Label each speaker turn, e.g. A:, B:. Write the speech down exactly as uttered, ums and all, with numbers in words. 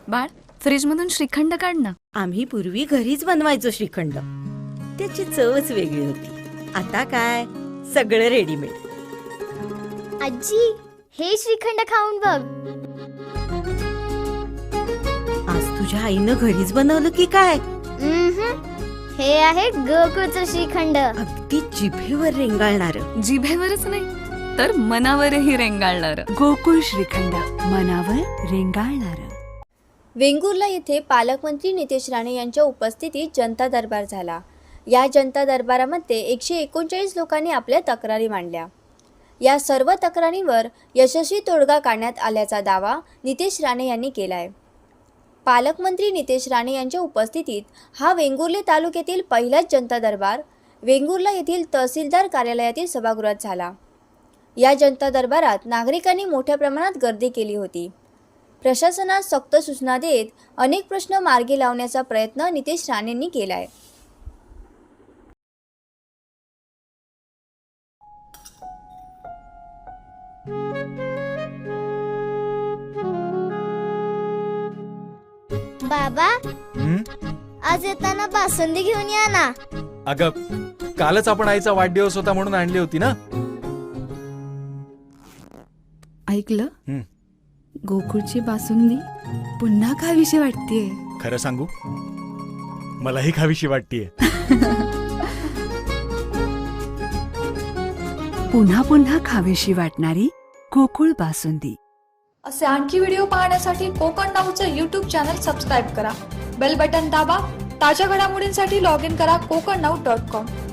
A: बाळ, फ्रीज मधून श्रीखंड काढ ना.
B: आम्ही पूर्वी घरीच बनवायचो श्रीखंड. त्याची चवच वेगळी होती. आता काय सगळं रेडीमेड.
C: आजी, हे श्रीखंड खाऊन बघ.
B: आज तुझ्या आईनं घरीच बनवलं की काय?
C: उम्हम. हे आहे गोकुळचं श्रीखंड.
B: अगदी जिभेवर रेंगाळणार.
A: जिभेवरच नाही तर मनावरही रेंगाळणार.
D: गोकुळ श्रीखंड, मनावर रेंगाळणार.
E: वेंगुर्ला येथे पालकमंत्री नितेश राणे यांच्या उपस्थितीत जनता दरबार झाला. या जनता दरबारामध्ये एकशे एकोणचाळीस लोकांनी आपल्या तक्रारी मांडल्या. या सर्व तक्रारींवर यशस्वी तोडगा काढण्यात आल्याचा दावा नितेश राणे यांनी केला आहे. पालकमंत्री नितेश राणे यांच्या उपस्थितीत हा वेंगुर्ले तालुक्यातील पहिलाच जनता दरबार वेंगुर्ला येथील तहसीलदार कार्यालयातील सभागृहात झाला. या जनता दरबारात नागरिकांनी मोठ्या प्रमाणात गर्दी केली होती. प्रशासनास सक्त सूचना देत अनेक प्रश्न मार्गी लावण्याचा प्रयत्न नितेश राणेंनी केला आहे.
C: बाबा,
F: हं?
C: आज येताना बासुंदी घेऊन या ना.
F: अगं, कालच आपण आईचा वाढदिवस होता म्हणून आणली होती ना.
D: ऐकलं?
F: हं.
D: गोकुळची बासुंदी पुन्हा खावीशी वाटतेय.
F: खरं सांगू, मलाही खावीशी वाटतीये.
D: पुन्हा पुन्हा खावीशी वाटणारी गोकुळ बासुंदी.
G: असे आणखी व्हिडिओ पाहण्यासाठी कोकण नाऊचं यूट्यूब चॅनल सबस्क्राईब करा. बेल बटन दाबा. ताज्या घडामोडींसाठी लॉग इन करा कोकण नाऊ डॉट कॉम.